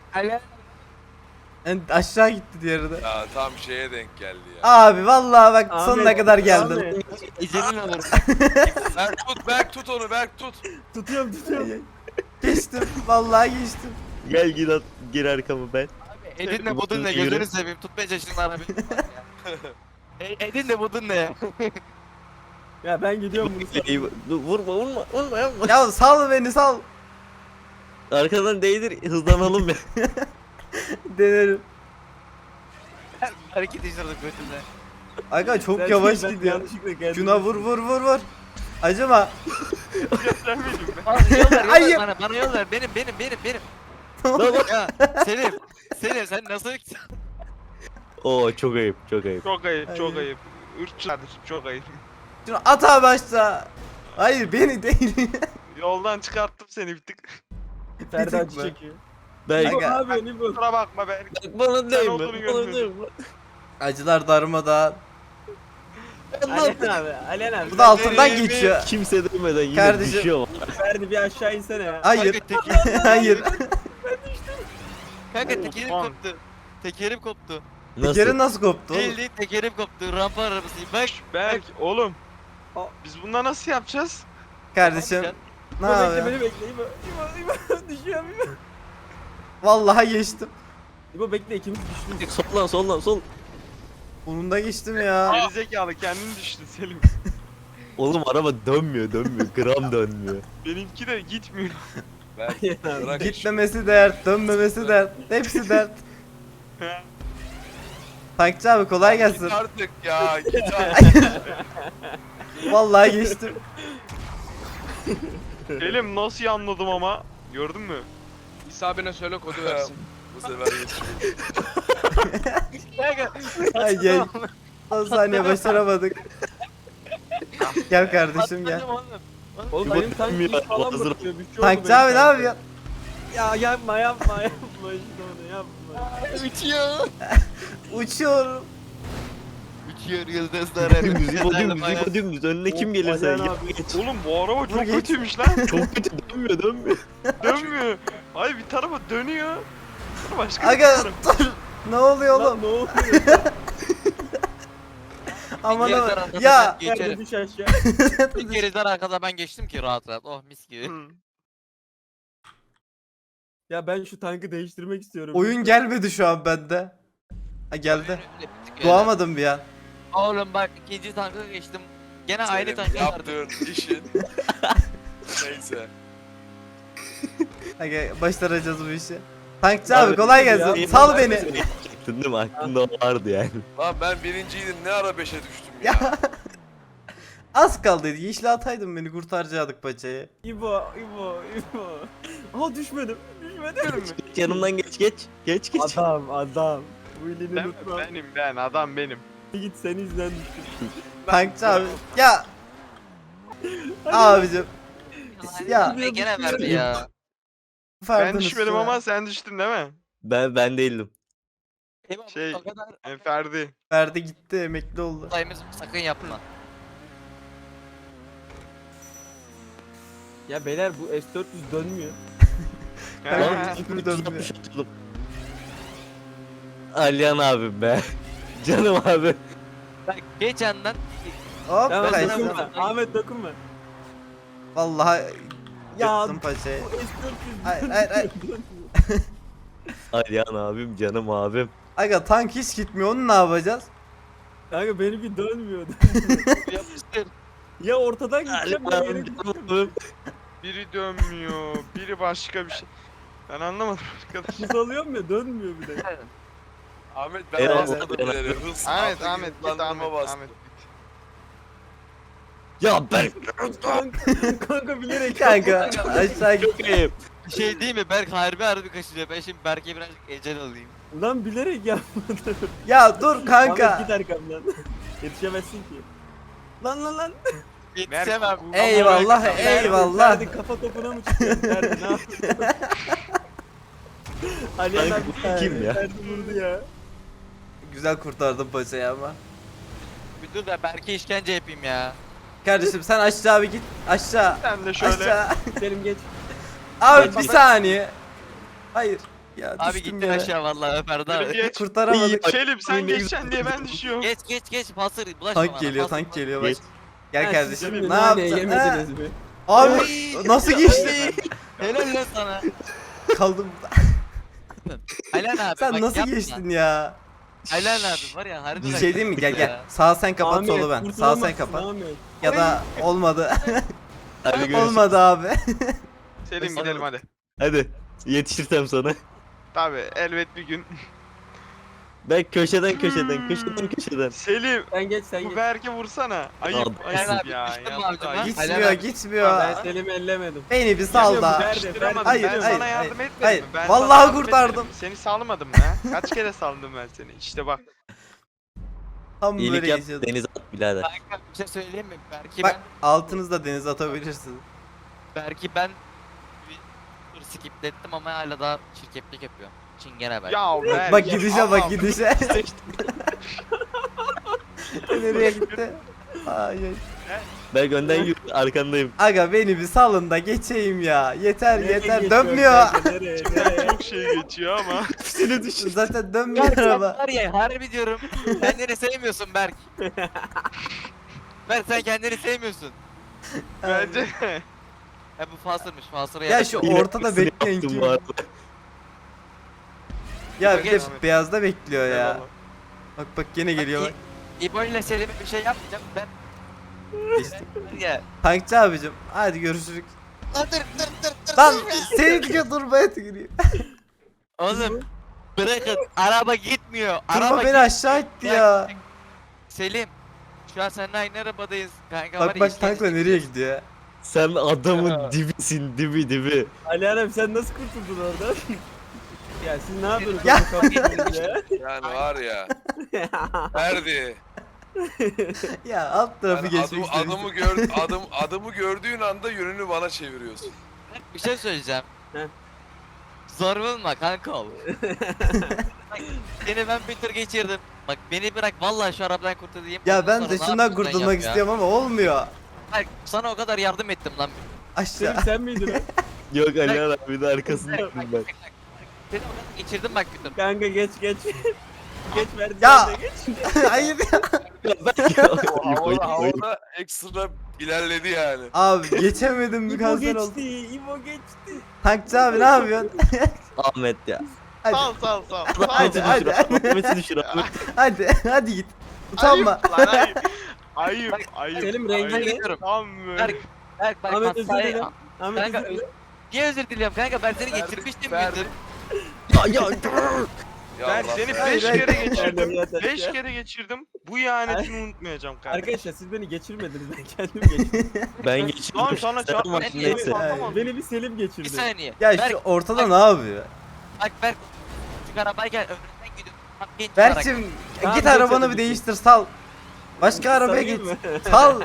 [SPEAKER 2] Yani aşağı gitti diğeri de.
[SPEAKER 5] Ya tam şeye denk geldi ya.
[SPEAKER 2] Abi vallahi bak
[SPEAKER 3] Ahmet,
[SPEAKER 2] sonuna kadar geldim.
[SPEAKER 3] Ahmet.
[SPEAKER 1] Ecelin olur.
[SPEAKER 5] Berk tut onu Berk tut.
[SPEAKER 3] Tutuyorum.
[SPEAKER 2] Geçtim. Vallahi geçtim.
[SPEAKER 4] Gel gir at gir arkamı ben.
[SPEAKER 1] Edin de budun ne
[SPEAKER 4] Yürü.
[SPEAKER 1] gözünü seveyim tutmaya çalışın arabayı. Edin de budun ne ya?
[SPEAKER 3] Ya ben gidiyorum bunu.
[SPEAKER 4] Dur, vurma yapma.
[SPEAKER 2] Ya sal beni sal.
[SPEAKER 4] Arkadan değdir hızlanalım ya.
[SPEAKER 2] Denerim.
[SPEAKER 1] Hareket işledik götümle.
[SPEAKER 2] Aga çok
[SPEAKER 3] Ben-
[SPEAKER 2] yavaş
[SPEAKER 3] ben
[SPEAKER 2] gidiyor.
[SPEAKER 3] yanlışlıkla geldim.
[SPEAKER 2] Şuna vur. Acıma.
[SPEAKER 6] Sen miydin be?
[SPEAKER 1] Yol ver
[SPEAKER 2] Hayır.
[SPEAKER 1] bana yol ver. Benim. Ya Selim sen nasıl
[SPEAKER 4] Oo çok ayıp çok ayıp.
[SPEAKER 6] Çok ayıp çok
[SPEAKER 2] Hayır.
[SPEAKER 6] ayıp. Irkçılardır çok ayıp.
[SPEAKER 2] Şunu at abi aşağı. Hayır beni değil.
[SPEAKER 6] Yoldan çıkarttım seni bir tık.
[SPEAKER 3] Ferdi
[SPEAKER 2] Bir tık
[SPEAKER 3] acı
[SPEAKER 2] mı?
[SPEAKER 3] çekiyor.
[SPEAKER 4] Ben
[SPEAKER 3] İbo
[SPEAKER 2] Aga.
[SPEAKER 3] abi İbo.
[SPEAKER 6] Kusura bakma Berk.
[SPEAKER 4] bana değme.
[SPEAKER 6] olduğunu
[SPEAKER 4] Bana
[SPEAKER 6] görmedim.
[SPEAKER 4] değme.
[SPEAKER 2] Acılar darmadan.
[SPEAKER 3] Alihan abi. Alihan abi.
[SPEAKER 2] Bu da altından geçiyor.
[SPEAKER 4] Kimse değmeden yine
[SPEAKER 2] Kardeşim.
[SPEAKER 4] düşüyor.
[SPEAKER 3] Ferdi bir aşağı insene ya.
[SPEAKER 2] Hayır. Hayır.
[SPEAKER 1] Kanka tekerim
[SPEAKER 6] Ulan.
[SPEAKER 1] koptu. Tekerim koptu.
[SPEAKER 4] Nasıl?
[SPEAKER 2] Tekerin nasıl koptu oğlum?
[SPEAKER 1] Bildiğin tekerim koptu. Rampa arabasıyım. Bak.
[SPEAKER 6] Berk oğlum. Biz bundan nasıl yapacağız?
[SPEAKER 2] Kardeşim Ne
[SPEAKER 3] İbo bekle
[SPEAKER 2] yapıyor?
[SPEAKER 3] beni bekle İbo. İbo düşüyorum İbo.
[SPEAKER 2] Vallahi geçtim.
[SPEAKER 3] İbo bekle ikimiz düştük.
[SPEAKER 4] Sollan sollan sol.
[SPEAKER 2] Bunun da geçtim ya.
[SPEAKER 6] Gerizekalı kendini düştün Selim.
[SPEAKER 4] Oğlum araba dönmüyor gram dönmüyor.
[SPEAKER 6] Benimki de gitmiyor.
[SPEAKER 5] Berk bırak
[SPEAKER 2] Gitmemesi dert, dönmemesi dert. Hepsi dert. Tankçı abi kolay
[SPEAKER 5] Git
[SPEAKER 2] gelsin.
[SPEAKER 5] artık ya git artık.
[SPEAKER 2] Vallahi geçtim.
[SPEAKER 6] Selim nasıl anladım ama. Gördün mü?
[SPEAKER 7] İsa abine söyle kodu versin.
[SPEAKER 5] Bu sefer geçiyor.
[SPEAKER 2] Ay gel. Son saniye başaramadık. Gel kardeşim gel.
[SPEAKER 3] Oğlum
[SPEAKER 4] İbo
[SPEAKER 3] benim tank
[SPEAKER 4] dönmüyor,
[SPEAKER 3] hiç falan
[SPEAKER 4] hazır.
[SPEAKER 3] bakıyor. Bir şey oldu
[SPEAKER 2] Tankçı
[SPEAKER 3] benim
[SPEAKER 2] abi ne
[SPEAKER 3] tanka.
[SPEAKER 2] yapıyorsun?
[SPEAKER 3] Ya yapma işte onu yapma.
[SPEAKER 1] Uçuyor.
[SPEAKER 2] Uçuyorum.
[SPEAKER 1] Uçuyor yıldızlar.
[SPEAKER 4] Dümdüz İbo dümdüz önüne kim gelirse
[SPEAKER 3] Alihan
[SPEAKER 4] ya,
[SPEAKER 3] abi.
[SPEAKER 4] geç.
[SPEAKER 6] Oğlum bu araba çok
[SPEAKER 2] geç.
[SPEAKER 6] kötüymüş lan.
[SPEAKER 4] Çok kötü dönmüyor.
[SPEAKER 6] Dönmüyor. Ay bir tarafa dönüyor. Sonra başka bir
[SPEAKER 2] Aga
[SPEAKER 6] tarafa.
[SPEAKER 2] dur. Ne oluyor
[SPEAKER 3] Lan
[SPEAKER 2] oğlum?
[SPEAKER 3] ne oluyor?
[SPEAKER 2] Aman
[SPEAKER 1] Geri
[SPEAKER 2] aman.
[SPEAKER 1] tarafta
[SPEAKER 2] Ya.
[SPEAKER 1] ben
[SPEAKER 3] Nerede
[SPEAKER 1] geçerim.
[SPEAKER 3] düş aşağı.
[SPEAKER 1] Bir geriden arkada ben geçtim ki rahat rahat. Oh mis gibi.
[SPEAKER 6] Hı.
[SPEAKER 3] Ya ben şu tankı değiştirmek istiyorum.
[SPEAKER 2] Oyun gelmedi şu an bende. Ha geldi.
[SPEAKER 1] Önümde bir tık
[SPEAKER 2] Doğamadım bir an.
[SPEAKER 1] Oğlum bak ikinci tanka geçtim. Gene aynı
[SPEAKER 5] Senin
[SPEAKER 1] tanka vardı.
[SPEAKER 5] yaptığın işin. Neyse.
[SPEAKER 2] Aga başaracağız bu işi. Tankçı abi kolay
[SPEAKER 3] Ya,
[SPEAKER 2] gelsin.
[SPEAKER 3] ya,
[SPEAKER 2] Sal
[SPEAKER 3] ben
[SPEAKER 2] beni.
[SPEAKER 4] Değil mi? Aklında o vardı yani.
[SPEAKER 5] Lan ben birinciydim ne ara 5'e düştüm ya.
[SPEAKER 2] Ya. Az kaldıydı. Yeşil ataydın beni kurtaracaktık paçayı.
[SPEAKER 3] İbo. Aha düşmedim. Düşmedim.
[SPEAKER 4] Geç yanımdan geç. Geç.
[SPEAKER 3] Adam. Bu ilini
[SPEAKER 6] Ben,
[SPEAKER 3] unutma.
[SPEAKER 6] ben adam benim.
[SPEAKER 3] Git senin yüzünden düştüm.
[SPEAKER 2] Tankçı abi. Ya. Abicim. Ya.
[SPEAKER 1] Ya. Gene verdi ya.
[SPEAKER 6] Ben
[SPEAKER 2] Ferdinand
[SPEAKER 6] düşmedim
[SPEAKER 2] ya.
[SPEAKER 6] ama sen düştün değil mi?
[SPEAKER 4] Ben değildim.
[SPEAKER 1] Eyvah,
[SPEAKER 6] Şey,
[SPEAKER 1] o kadar
[SPEAKER 6] Ferdi.
[SPEAKER 2] Ferdi gitti emekli oldu.
[SPEAKER 1] olayımız sakın yapma.
[SPEAKER 3] Ya beyler bu S400 dönmüyor.
[SPEAKER 2] Ben
[SPEAKER 6] Ha.
[SPEAKER 2] hiçbir dönmüyor.
[SPEAKER 4] 360 atıyordum. Alihan abim be. Canım abi.
[SPEAKER 1] Bak geçenden
[SPEAKER 2] Hop
[SPEAKER 3] Tamam
[SPEAKER 2] kaçtım.
[SPEAKER 3] dokunma. Ahmet dokunma.
[SPEAKER 2] Vallahi
[SPEAKER 3] Ya
[SPEAKER 2] yırttım paçayı.
[SPEAKER 3] bu S400
[SPEAKER 2] Hayır, hayır, hayır.
[SPEAKER 4] Alihan abim canım abim.
[SPEAKER 2] Aga tank hiç gitmiyor onu ne yapacağız?
[SPEAKER 3] Kanka benimki dönmüyordu.
[SPEAKER 1] yapıştır.
[SPEAKER 3] Ya ortadan gideceğim
[SPEAKER 4] Alihan
[SPEAKER 3] ya yere
[SPEAKER 4] abim
[SPEAKER 3] gideceğim.
[SPEAKER 4] canım abim.
[SPEAKER 6] Biri dönmüyor, biri başka bir şey. Ben anlamadım arkadaş.
[SPEAKER 3] Hız alıyorum ya dönmüyor bir de.
[SPEAKER 5] Ahmet ben
[SPEAKER 4] Eyvallah,
[SPEAKER 5] bastım
[SPEAKER 4] eyvallah.
[SPEAKER 5] ileri. Hız
[SPEAKER 6] Ahmet,
[SPEAKER 5] altı
[SPEAKER 6] Ahmet git
[SPEAKER 5] hızlandırma
[SPEAKER 6] Ahmet,
[SPEAKER 5] bastım.
[SPEAKER 6] Ahmet.
[SPEAKER 4] Ya ben
[SPEAKER 3] Kanka bilerek
[SPEAKER 2] Kanka aşağı git.
[SPEAKER 4] çok iyiyim.
[SPEAKER 1] Bir şey değil mi? Berk harbi kaçırıyor. Ben şimdi Berk'e birazcık ecel alayım.
[SPEAKER 3] Lan bilerek yapmadım.
[SPEAKER 2] Ya dur
[SPEAKER 3] Ahmet
[SPEAKER 2] kanka.
[SPEAKER 3] git arkamdan. Yetişemezsin ki. Lan.
[SPEAKER 1] Yetişemem.
[SPEAKER 2] Eyvallah eyvallah.
[SPEAKER 3] Hadi kafa topuna mı çıkıyorsun? Nerede ne yapıyorsun? Alihan
[SPEAKER 4] Kanka
[SPEAKER 3] abi
[SPEAKER 4] bu kim ya?
[SPEAKER 3] Ferdi vurdu ya.
[SPEAKER 2] Güzel kurtardım paçayı ama.
[SPEAKER 1] Bir dur da Berk'e işkence yapayım ya.
[SPEAKER 2] Kardeşim sen aşağı bir git. Aşağı.
[SPEAKER 6] Sen de şöyle.
[SPEAKER 2] Aşağı.
[SPEAKER 3] Selim geç.
[SPEAKER 2] Abi bir saniye. Hayır. Ya
[SPEAKER 1] Abi
[SPEAKER 2] düştüm
[SPEAKER 1] gittin
[SPEAKER 2] yere.
[SPEAKER 1] aşağı vallahi Ferdi
[SPEAKER 6] Yürü
[SPEAKER 1] abi.
[SPEAKER 6] geç.
[SPEAKER 2] Kurtaramadık.
[SPEAKER 6] Selim sen
[SPEAKER 4] Ne güzel.
[SPEAKER 6] geçeceksin diye ben düşüyorum.
[SPEAKER 1] Geç pasır bulaşma bana.
[SPEAKER 2] Tank geliyor
[SPEAKER 1] pasır,
[SPEAKER 2] tank geliyor bak.
[SPEAKER 4] Geç.
[SPEAKER 2] Gel
[SPEAKER 3] Ha,
[SPEAKER 2] kardeşim
[SPEAKER 3] siz şimdi
[SPEAKER 2] ne
[SPEAKER 3] naneyi
[SPEAKER 2] yaptın? Ha?
[SPEAKER 3] Yemediniz mi?
[SPEAKER 2] Abi
[SPEAKER 1] Oy!
[SPEAKER 2] nasıl geçti?
[SPEAKER 1] Helal lan sana.
[SPEAKER 2] Kaldım burada.
[SPEAKER 1] Aylan abi
[SPEAKER 2] Sen
[SPEAKER 1] bak
[SPEAKER 2] nasıl
[SPEAKER 1] yapma.
[SPEAKER 2] geçtin ya?
[SPEAKER 1] Aylan abi var ya harbi
[SPEAKER 2] Bir
[SPEAKER 1] bak
[SPEAKER 2] şey diyeyim mi? Gel
[SPEAKER 1] ya.
[SPEAKER 2] gel. Sağ sen kapat
[SPEAKER 3] Ahmet,
[SPEAKER 2] solu ben. Sağ sen
[SPEAKER 3] kurtulamazsın
[SPEAKER 2] kapat.
[SPEAKER 3] Ahmet.
[SPEAKER 2] Ya da olmadı.
[SPEAKER 4] Hadi görüşürüz.
[SPEAKER 2] Olmadı abi.
[SPEAKER 6] Selim gidelim hadi.
[SPEAKER 4] Hadi yetişirsem sana.
[SPEAKER 6] Tabi elbet bir gün.
[SPEAKER 4] Ben köşeden.
[SPEAKER 6] Selim
[SPEAKER 3] Sen geç sen
[SPEAKER 6] bu
[SPEAKER 3] geç.
[SPEAKER 6] Berk'e vursana. Ayıp
[SPEAKER 4] Aldım.
[SPEAKER 6] ayıp
[SPEAKER 1] Aynen abi,
[SPEAKER 6] ya.
[SPEAKER 1] düştün mü
[SPEAKER 6] yapma,
[SPEAKER 1] aldım ha?
[SPEAKER 6] ayıp.
[SPEAKER 2] Gitmiyor
[SPEAKER 1] Aynen.
[SPEAKER 2] gitmiyor.
[SPEAKER 3] Ben Selim'i ellemedim.
[SPEAKER 2] Beni bir sal da.
[SPEAKER 3] Ferdi,
[SPEAKER 6] Yapıştıramadım.
[SPEAKER 2] Hayır,
[SPEAKER 6] Ben
[SPEAKER 2] hayır,
[SPEAKER 6] sana yardım
[SPEAKER 2] hayır,
[SPEAKER 6] etmedim
[SPEAKER 2] hayır.
[SPEAKER 6] mi? Ben
[SPEAKER 2] Vallahi
[SPEAKER 6] sana yardım
[SPEAKER 2] kurtardım.
[SPEAKER 6] etmedim mi? Seni salmadım mı? Kaç kere saldım ben seni? İşte bak.
[SPEAKER 2] Tam
[SPEAKER 4] İyilik
[SPEAKER 2] böyle
[SPEAKER 4] yap
[SPEAKER 2] geçiyordum.
[SPEAKER 4] denize at birader.
[SPEAKER 1] Kanka bir şey söyleyeyim mi?
[SPEAKER 2] Bak altınızda denize atabilirsiniz.
[SPEAKER 1] Ben bir tur skiplettim ama hala daha çirkeplik yapıyor. Çingene Berk.
[SPEAKER 6] Ya Berk.
[SPEAKER 2] Bak
[SPEAKER 6] ya,
[SPEAKER 2] gidişe bak
[SPEAKER 6] Allah'ım.
[SPEAKER 2] gidişe. Nereye gitti? Ay, ay.
[SPEAKER 4] Ben önden yürü arkandayım.
[SPEAKER 2] Aga beni bir salın da geçeyim ya. Yeter
[SPEAKER 3] Nereye
[SPEAKER 2] yeter
[SPEAKER 3] geçiyorsun
[SPEAKER 2] dönmüyor.
[SPEAKER 3] kanka, nereye?
[SPEAKER 6] Çok şey geçiyor ama.
[SPEAKER 4] Seni düşün.
[SPEAKER 2] Zaten dönmüyor
[SPEAKER 1] Berk sen
[SPEAKER 2] araba.
[SPEAKER 1] var ya harbi diyorum. Kendini sevmiyorsun Berk. Berk sen kendini sevmiyorsun.
[SPEAKER 6] Bence.
[SPEAKER 1] He bu Faster'mış. Faster'a
[SPEAKER 2] Ya şu ortada bekleyen
[SPEAKER 4] Yaptım
[SPEAKER 2] kim?
[SPEAKER 4] bu arada.
[SPEAKER 2] Ya bir de
[SPEAKER 6] Geç.
[SPEAKER 2] beyazda bekliyor ya.
[SPEAKER 6] Eyvallah.
[SPEAKER 2] Bak bak gene geliyor bak.
[SPEAKER 1] İbo ile Selim'e bir şey yapmayacağım. Ben
[SPEAKER 2] Geçtim.
[SPEAKER 1] ya.
[SPEAKER 2] Tankçı abicim hadi görüşürük.
[SPEAKER 1] Dur.
[SPEAKER 2] Lan seni diyor durmaya tükürüyor.
[SPEAKER 1] Oğlum bırakın. Araba gitmiyor.
[SPEAKER 2] Durma
[SPEAKER 1] Araba
[SPEAKER 2] beni aşağı itti ya.
[SPEAKER 1] Selim. Şu an seninle aynı arabadayız. Kanka
[SPEAKER 2] Bak bak tankla nereye gidiyor ya.
[SPEAKER 4] Sen adamın dibisin dibi.
[SPEAKER 3] Ali Hanım sen nasıl kurtuldun orada? Ya siz ne yapıyorsunuz?
[SPEAKER 2] Ya.
[SPEAKER 3] ya?
[SPEAKER 5] Yani var ya. Ferdi.
[SPEAKER 2] Ya alt tarafı
[SPEAKER 5] Yani
[SPEAKER 2] geçmek istedim.
[SPEAKER 5] adımı gördüğün anda yönünü bana çeviriyorsun.
[SPEAKER 1] Bir şey söyleyeceğim.
[SPEAKER 3] Heh.
[SPEAKER 1] Zor bulma kanka ol. Bak, seni ben bir tur geçirdim. Bak beni bırak vallahi şu arabadan kurtulayım.
[SPEAKER 2] Ya
[SPEAKER 1] Ondan
[SPEAKER 2] ben
[SPEAKER 1] sonra
[SPEAKER 2] de
[SPEAKER 1] ne
[SPEAKER 2] şundan
[SPEAKER 1] yapıyorsan
[SPEAKER 2] kurtulmak
[SPEAKER 1] yap ya.
[SPEAKER 2] istiyorum ama olmuyor.
[SPEAKER 1] Bak, sana o kadar yardım ettim lan.
[SPEAKER 2] Aşağı.
[SPEAKER 3] Sen miydin o?
[SPEAKER 4] Yok Ali abi de arkasındayım ben.
[SPEAKER 1] Seni o kadar geçirdim bak bir tur.
[SPEAKER 3] Kanka geç. Geç verdi.
[SPEAKER 2] Ya.
[SPEAKER 3] sen de geç.
[SPEAKER 2] Hayır ya.
[SPEAKER 5] Havada ekstra ilerledi yani.
[SPEAKER 2] Abi geçemedim bir
[SPEAKER 3] İbo
[SPEAKER 2] kanser oldu.
[SPEAKER 3] geçti. İbo geçti.
[SPEAKER 2] Tankçı abi ne yapıyorsun?
[SPEAKER 4] Ahmet ya.
[SPEAKER 2] Hadi.
[SPEAKER 6] Sal.
[SPEAKER 2] Hadi, hadi.
[SPEAKER 4] Ahmet'i düşür Ahmet.
[SPEAKER 2] Hadi git. Utanma.
[SPEAKER 6] Ayıp lan ayıp. Ayıp. Ayıp.
[SPEAKER 3] Selim
[SPEAKER 1] Ben
[SPEAKER 3] rengi ne?
[SPEAKER 1] gidiyorum.
[SPEAKER 6] Tam
[SPEAKER 1] Berk, Berk bak
[SPEAKER 3] Ahmet özür
[SPEAKER 1] hatayı...
[SPEAKER 3] dilerim. Ahmet
[SPEAKER 1] Kanka
[SPEAKER 3] özür dilerim.
[SPEAKER 1] niye özür diliyorum kanka ben seni
[SPEAKER 5] Ferdi,
[SPEAKER 1] geçirmiştim
[SPEAKER 5] Ferdi.
[SPEAKER 1] bir tur.
[SPEAKER 5] Ya
[SPEAKER 6] Ben
[SPEAKER 5] Allah
[SPEAKER 6] seni
[SPEAKER 5] Ferdi.
[SPEAKER 6] 5
[SPEAKER 2] Hayır,
[SPEAKER 6] kere
[SPEAKER 2] hayır.
[SPEAKER 6] geçirdim.
[SPEAKER 3] Yeter
[SPEAKER 6] 5
[SPEAKER 3] ya.
[SPEAKER 6] kere geçirdim. Bu ihanetini unutmayacağım kardeşim.
[SPEAKER 3] Arkadaşlar siz beni geçirmediniz ben kendim geçirdim.
[SPEAKER 4] Ben geçirdim.
[SPEAKER 6] Lan sana
[SPEAKER 4] Sen
[SPEAKER 6] çarpma.
[SPEAKER 4] bak,
[SPEAKER 1] neyse.
[SPEAKER 4] neyse.
[SPEAKER 3] Beni bir Selim
[SPEAKER 1] Bir
[SPEAKER 3] geçirdi.
[SPEAKER 1] saniye.
[SPEAKER 2] Ya
[SPEAKER 1] Berk,
[SPEAKER 2] şu ortada ne yapıyor?
[SPEAKER 1] bak Berk. Şu arabayken önünden gidiyorum. Bak genç olarak.
[SPEAKER 2] Berk'cim
[SPEAKER 3] Tamam,
[SPEAKER 2] git
[SPEAKER 3] geç
[SPEAKER 2] arabanı
[SPEAKER 3] hadi
[SPEAKER 2] bir
[SPEAKER 3] git.
[SPEAKER 2] değiştir sal. Başka arabaya
[SPEAKER 3] Sarayım
[SPEAKER 2] git.
[SPEAKER 3] mı?
[SPEAKER 2] Sal.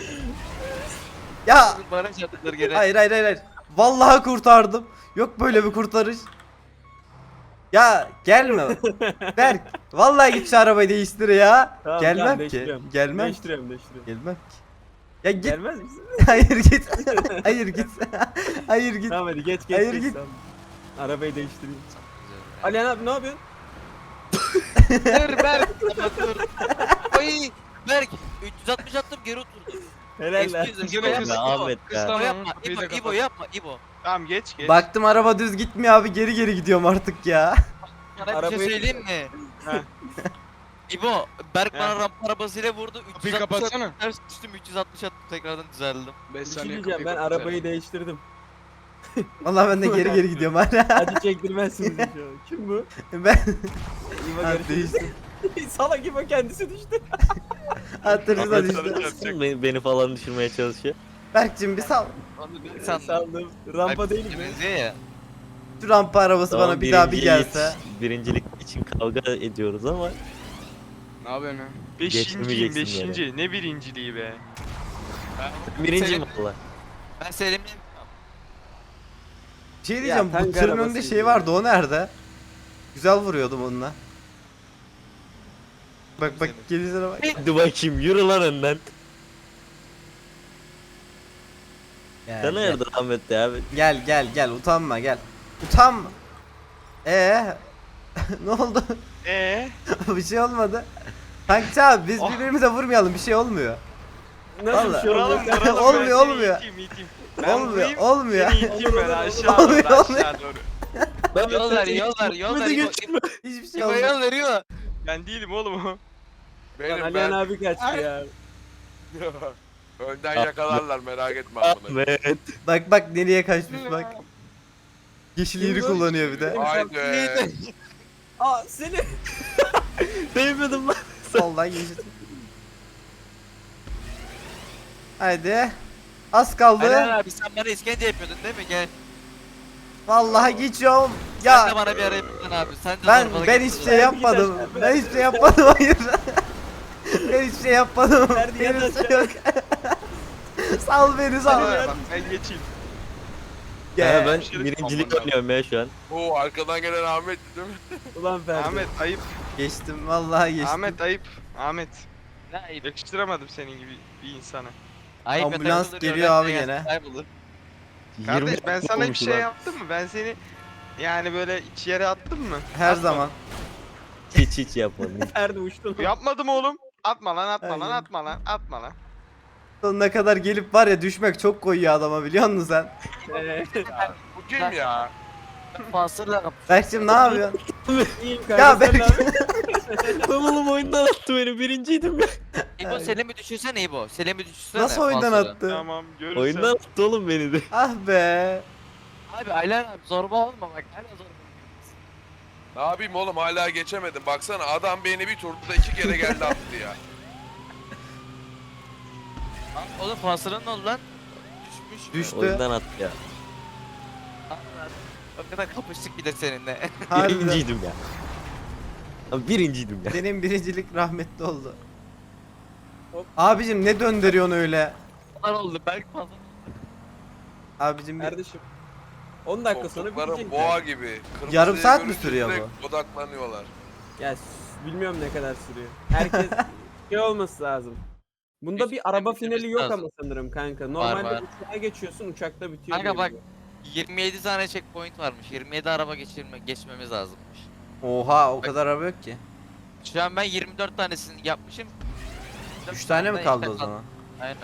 [SPEAKER 2] Ya
[SPEAKER 1] Bana çatılır gene.
[SPEAKER 2] hayır. Vallahi kurtardım. Yok böyle bir kurtarış. Ya gelme. Berk vallahi git şu arabayı değiştir ya.
[SPEAKER 3] Tamam,
[SPEAKER 2] Gelmem
[SPEAKER 3] tamam,
[SPEAKER 2] ki.
[SPEAKER 3] değiştiriyorum.
[SPEAKER 2] Gelmem.
[SPEAKER 3] Değiştiriyorum.
[SPEAKER 2] Gelmem ki. Ya git.
[SPEAKER 3] Gelmez misin?
[SPEAKER 2] Hayır git. Hayır git. Hayır git.
[SPEAKER 3] Tamam hadi geç.
[SPEAKER 2] Hayır,
[SPEAKER 3] geç,
[SPEAKER 2] git.
[SPEAKER 3] tamam. Arabayı değiştireyim. Alihan abi ne yapıyorsun?
[SPEAKER 1] Dur Berk. Dur. Oy. Berk. 360 attım geri oturdum.
[SPEAKER 3] Helal lan.
[SPEAKER 1] Excuse
[SPEAKER 7] Güzel
[SPEAKER 1] me.
[SPEAKER 7] kız.
[SPEAKER 4] Ya Ahmet
[SPEAKER 1] İbo
[SPEAKER 4] ya.
[SPEAKER 1] yapma.
[SPEAKER 7] Kapıyı da
[SPEAKER 1] İbo
[SPEAKER 7] kapat.
[SPEAKER 1] yapma. İbo.
[SPEAKER 6] Tamam geç.
[SPEAKER 2] Baktım araba düz gitmiyor abi geri gidiyorum artık ya.
[SPEAKER 1] Sana bir
[SPEAKER 3] Arabayı-
[SPEAKER 1] şey söyleyeyim mi?
[SPEAKER 6] Heh.
[SPEAKER 1] İbo, Berk
[SPEAKER 6] Heh.
[SPEAKER 1] bana rampa arabasıyla vurdu.
[SPEAKER 7] Kapıyı
[SPEAKER 1] 360
[SPEAKER 7] kapatsana.
[SPEAKER 1] attım, ters düştüm 360 attım tekrardan düzeldim.
[SPEAKER 7] 5
[SPEAKER 3] Bir şey
[SPEAKER 7] saniye
[SPEAKER 3] diyeceğim ben
[SPEAKER 7] kapıyı
[SPEAKER 3] arabayı değiştirdim.
[SPEAKER 2] Vallahi ben de geri gidiyorum hala.
[SPEAKER 3] Hadi çektirmezsiniz inşallah. Kim bu?
[SPEAKER 2] Ben
[SPEAKER 3] İbo
[SPEAKER 2] ha,
[SPEAKER 3] görüşürüz.
[SPEAKER 2] değiştim.
[SPEAKER 3] Salak İbo kendisi düştü.
[SPEAKER 2] Hatırınıza
[SPEAKER 5] Ahmet
[SPEAKER 2] düştü.
[SPEAKER 5] sana çarpacak.
[SPEAKER 4] Beni falan düşürmeye çalışıyor.
[SPEAKER 2] Berk'cim bir sal.
[SPEAKER 1] Onu bir sandım.
[SPEAKER 3] Saldım. Rampa değil mi?
[SPEAKER 1] Benziyor ya.
[SPEAKER 2] Şu rampa arabası
[SPEAKER 4] Tamam,
[SPEAKER 2] bana bir daha bir
[SPEAKER 4] birincilik-
[SPEAKER 2] gelse.
[SPEAKER 4] Birincilik için kavga ediyoruz ama
[SPEAKER 7] Ne yapıyorsun ya?
[SPEAKER 6] Beşinciyim
[SPEAKER 4] Geçmeyeceksin
[SPEAKER 6] 5. Ne birinciliği be.
[SPEAKER 4] birinciyim valla.
[SPEAKER 1] Ben Selim'le
[SPEAKER 2] Bir şey diyeceğim
[SPEAKER 3] tank
[SPEAKER 2] bu tırın önünde
[SPEAKER 3] arabasıydı
[SPEAKER 2] şey
[SPEAKER 3] ya.
[SPEAKER 2] vardı o nerede? Güzel vuruyordum onunla. Bak gelişlere bak.
[SPEAKER 4] Hadi bakayım yürü lan önden.
[SPEAKER 2] Gel,
[SPEAKER 4] Sen
[SPEAKER 2] gel.
[SPEAKER 4] hayırdır Ahmet ya?
[SPEAKER 2] Gel utanma gel. Utanma. Ne oldu? Bir şey olmadı. Tankçı abi biz
[SPEAKER 6] Oh.
[SPEAKER 2] birbirimize vurmayalım bir şey olmuyor.
[SPEAKER 3] Nasıl
[SPEAKER 2] Vallahi.
[SPEAKER 3] bir şey oldu?
[SPEAKER 6] Vuralım
[SPEAKER 2] Olmuyor,
[SPEAKER 6] ben seni
[SPEAKER 2] olmuyor.
[SPEAKER 6] iteyim. Ben
[SPEAKER 2] Olmuyor
[SPEAKER 6] vurayım,
[SPEAKER 2] olmuyor.
[SPEAKER 6] Seni iteyim ben aşağı
[SPEAKER 2] Olmuyor,
[SPEAKER 6] doğru
[SPEAKER 2] olmuyor.
[SPEAKER 6] aşağı doğru.
[SPEAKER 1] yol ver yol ver. İbo,
[SPEAKER 2] Hiçbir şey
[SPEAKER 1] İbo
[SPEAKER 2] olmuyor.
[SPEAKER 1] yol veriyor.
[SPEAKER 6] Ben değilim oğlum o.
[SPEAKER 3] Lan
[SPEAKER 5] Benim
[SPEAKER 3] Alihan
[SPEAKER 5] ben.
[SPEAKER 3] abi kaçtı ya.
[SPEAKER 5] Önden yakalarlar merak etme amına.
[SPEAKER 4] Ahmet.
[SPEAKER 2] Bak nereye kaçmış bak. Yeşil yeri kullanıyor bir de.
[SPEAKER 5] Haydi.
[SPEAKER 3] Aa seni.
[SPEAKER 4] Değmedim lan.
[SPEAKER 2] Soldan yeşil. Haydi. Az kaldı.
[SPEAKER 1] Aynen abi sen bana işkence yapıyordun değil mi? Gel.
[SPEAKER 2] Vallahi geçiyorum.
[SPEAKER 1] Sen de
[SPEAKER 2] Ya
[SPEAKER 1] bana bir ara yapıyordun abi. Sen de
[SPEAKER 2] ben
[SPEAKER 1] zorbalık
[SPEAKER 2] ben
[SPEAKER 1] yapıyordun.
[SPEAKER 2] hiçbir şey yapmadım. Ben hiçbir şey yapmadım hayır. Ben hiçbir şey yapmadım.
[SPEAKER 3] Ferdi
[SPEAKER 2] Benim
[SPEAKER 3] yataş
[SPEAKER 2] şey yok. Sal beni sal.
[SPEAKER 6] Ben geçeyim.
[SPEAKER 4] Ya ben
[SPEAKER 6] Şerif
[SPEAKER 4] birincilik
[SPEAKER 6] aman
[SPEAKER 4] oynuyorum ya şu an.
[SPEAKER 5] Oo arkadan gelen Ahmet değil mi?
[SPEAKER 3] Ulan Ferdi.
[SPEAKER 6] Ahmet ayıp.
[SPEAKER 2] Geçtim vallahi geçtim.
[SPEAKER 6] Ahmet ayıp. Ahmet.
[SPEAKER 1] Ne ayıp.
[SPEAKER 6] Yakıştıramadım senin gibi bir insana.
[SPEAKER 1] Ayıp
[SPEAKER 2] Ambulans
[SPEAKER 1] yatarı olur,
[SPEAKER 2] geliyor
[SPEAKER 1] öğretmen
[SPEAKER 2] abi
[SPEAKER 1] gelsin,
[SPEAKER 2] gene.
[SPEAKER 1] kaybolur.
[SPEAKER 6] Kardeş ben
[SPEAKER 4] 20
[SPEAKER 6] sana bir
[SPEAKER 4] olmuş
[SPEAKER 6] şey
[SPEAKER 4] ulan.
[SPEAKER 6] yaptım mı? Ben seni yani böyle iç yere attım mı?
[SPEAKER 2] Her
[SPEAKER 6] Atma.
[SPEAKER 2] zaman.
[SPEAKER 4] Hiç yapmadım.
[SPEAKER 3] Ferdi uçtu lan.
[SPEAKER 6] Yapmadım oğlum. Atma lan atma lan
[SPEAKER 2] Aynen.
[SPEAKER 6] atma lan atma lan.
[SPEAKER 2] Sonuna kadar gelip var ya düşmek çok koyuyor adama biliyor musun sen?
[SPEAKER 5] Bu kim ya?
[SPEAKER 1] Fasırla kapı.
[SPEAKER 2] Berk'cim ne yapıyorsun?
[SPEAKER 3] İyiyim
[SPEAKER 2] Ya
[SPEAKER 3] kanka sen
[SPEAKER 2] Berk.
[SPEAKER 3] ne yapıyorsun?
[SPEAKER 4] Lan oğlum oyundan attı beni birinciydim ya.
[SPEAKER 1] İbo Selim'i düşünsene İbo. Selim'i düşünsene.
[SPEAKER 2] Nasıl oyundan
[SPEAKER 1] Fasırla.
[SPEAKER 2] attı?
[SPEAKER 6] Tamam görürsen.
[SPEAKER 4] Oyundan attı oğlum beni de.
[SPEAKER 2] Ah be.
[SPEAKER 1] Abi Aylan abi zorba olma bak. Hala zorba.
[SPEAKER 5] Ne yapayım oğlum hala geçemedim. Baksana adam beni bir turda 2 kere geldi attı ya.
[SPEAKER 1] Lan oğlum Fasır'ın ne oldu lan? Düşmüş.
[SPEAKER 2] Düştü.
[SPEAKER 4] Oyundan attı ya.
[SPEAKER 1] O kadar kapıştık bir de seninle.
[SPEAKER 2] Harbiden.
[SPEAKER 4] Birinciydim ya. Abi birinciydim ya.
[SPEAKER 2] Benim birincilik rahmetli oldu.
[SPEAKER 3] Hop.
[SPEAKER 2] Abicim ne döndürüyorsun öyle?
[SPEAKER 1] Onlar oldu. Berk Fasır.
[SPEAKER 2] Abicim bir...
[SPEAKER 3] Kardeşim. 10 dakika sonra
[SPEAKER 5] Koltukların
[SPEAKER 3] bitecek.
[SPEAKER 5] boğa gibi. Kırmızıyı
[SPEAKER 2] Yarım saat mi
[SPEAKER 5] görünce
[SPEAKER 2] sürüyor
[SPEAKER 5] direkt odaklanıyorlar.
[SPEAKER 3] Ya bilmiyorum ne kadar sürüyor. Herkes şey olması lazım. Bunda bir araba finali yok ama sanırım kanka. Normalde
[SPEAKER 1] var.
[SPEAKER 3] uçağa geçiyorsun uçakta bitiyor.
[SPEAKER 1] Kanka
[SPEAKER 3] diye
[SPEAKER 1] bak
[SPEAKER 3] biliyorum.
[SPEAKER 1] 27 tane checkpoint varmış. 27 araba geçmemiz lazımmış.
[SPEAKER 2] Oha o kadar araba yok ki.
[SPEAKER 1] Şu an ben 24 tanesini yapmışım.
[SPEAKER 2] 3 tane mi kaldı o zaman?
[SPEAKER 1] Aynen.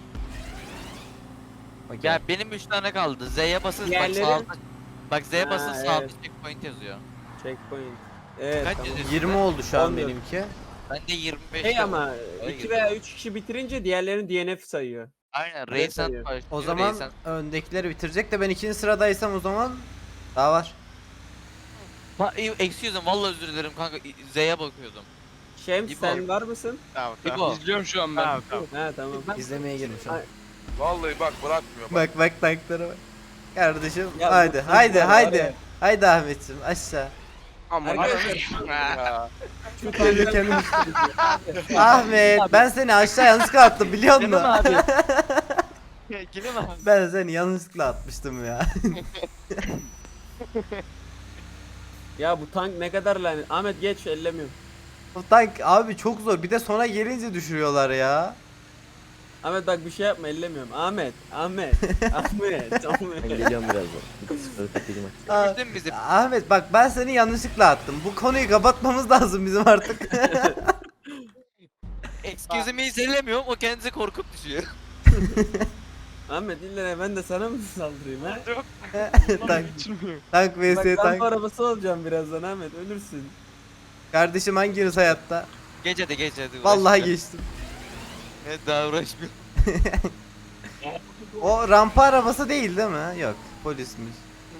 [SPEAKER 2] Okey.
[SPEAKER 1] Ya benim 3 tane kaldı. Z'ye basın bak
[SPEAKER 3] Diğerleri-
[SPEAKER 1] sağda. Bak Z'ye
[SPEAKER 3] Ha,
[SPEAKER 1] basın sağda
[SPEAKER 3] evet.
[SPEAKER 1] checkpoint yazıyor.
[SPEAKER 3] Checkpoint. Evet
[SPEAKER 1] Kaç
[SPEAKER 3] tamam.
[SPEAKER 1] yazıyor?
[SPEAKER 2] 20 oldu şu an
[SPEAKER 3] 14.
[SPEAKER 2] benimki.
[SPEAKER 1] Ben de 25.
[SPEAKER 3] Şey ama
[SPEAKER 1] Öyle
[SPEAKER 3] 2
[SPEAKER 1] gidiyor.
[SPEAKER 3] veya 3 kişi bitirince diğerlerini DNF sayıyor.
[SPEAKER 1] Aynen
[SPEAKER 3] Öyle
[SPEAKER 1] Raysan
[SPEAKER 3] sayıyor.
[SPEAKER 1] başlıyor.
[SPEAKER 2] O zaman
[SPEAKER 1] Raysan.
[SPEAKER 2] öndekileri bitirecek de ben ikinci sıradaysam o zaman daha var.
[SPEAKER 1] Excuse me vallahi özür dilerim kanka Z'ye bakıyordum.
[SPEAKER 3] Şems
[SPEAKER 1] İbo.
[SPEAKER 3] sen var mısın?
[SPEAKER 6] Tamam
[SPEAKER 1] İbo.
[SPEAKER 6] tamam. İzliyorum şu an ben. Tamam tamam.
[SPEAKER 3] Ha tamam.
[SPEAKER 2] İzlemeye girmiş.
[SPEAKER 3] Ay.
[SPEAKER 5] Vallahi bak bırakmıyor bak.
[SPEAKER 2] Bak tanklara bak. Kardeşim
[SPEAKER 3] Ya
[SPEAKER 2] haydi
[SPEAKER 3] bu
[SPEAKER 2] haydi
[SPEAKER 3] tanklar var
[SPEAKER 2] haydi.
[SPEAKER 3] ya.
[SPEAKER 2] Haydi Ahmetciğim aşağı.
[SPEAKER 6] Aman
[SPEAKER 3] Arkadaşlar
[SPEAKER 5] Ya.
[SPEAKER 3] şu
[SPEAKER 2] Gelirken
[SPEAKER 3] tanklar-
[SPEAKER 2] Ahmet ben seni aşağı yanlışlıkla attım biliyor
[SPEAKER 1] Canım
[SPEAKER 2] musun?
[SPEAKER 1] abi. Kilim abi.
[SPEAKER 2] Ben seni yanlışlıkla atmıştım ya.
[SPEAKER 3] Ya bu tank ne kadar lanet. Ahmet geç ellemiyorum.
[SPEAKER 2] Bu tank abi çok zor bir de sona gelince düşürüyorlar ya.
[SPEAKER 3] Ahmet bak bir şey yapma ellemiyorum. Ahmet. Ahmet. Ahmet.
[SPEAKER 4] Ben
[SPEAKER 3] Ahmet.
[SPEAKER 4] geliyorum birazdan. Sıfır kapatayım aç.
[SPEAKER 2] Aa,
[SPEAKER 1] Düştün bizi.
[SPEAKER 2] Ahmet bak ben seni yanlışlıkla attım. Bu konuyu kapatmamız lazım bizim artık.
[SPEAKER 1] Excuse me'yi zellemiyorum o kendisi korkup düşüyor.
[SPEAKER 3] Ahmet illa ne, ben de sana mı saldırayım ha?
[SPEAKER 2] tank, tank vs
[SPEAKER 3] Bak kamp
[SPEAKER 2] tank.
[SPEAKER 3] arabası olacağım birazdan Ahmet ölürsün.
[SPEAKER 2] Kardeşim hanginiz hayatta?
[SPEAKER 1] Geç hadi geç hadi.
[SPEAKER 2] Vallahi
[SPEAKER 1] uğraşma.
[SPEAKER 2] geçtim.
[SPEAKER 1] Evet daha uğraşmıyorum.
[SPEAKER 2] O rampa arabası değil değil mi? Yok polismiş.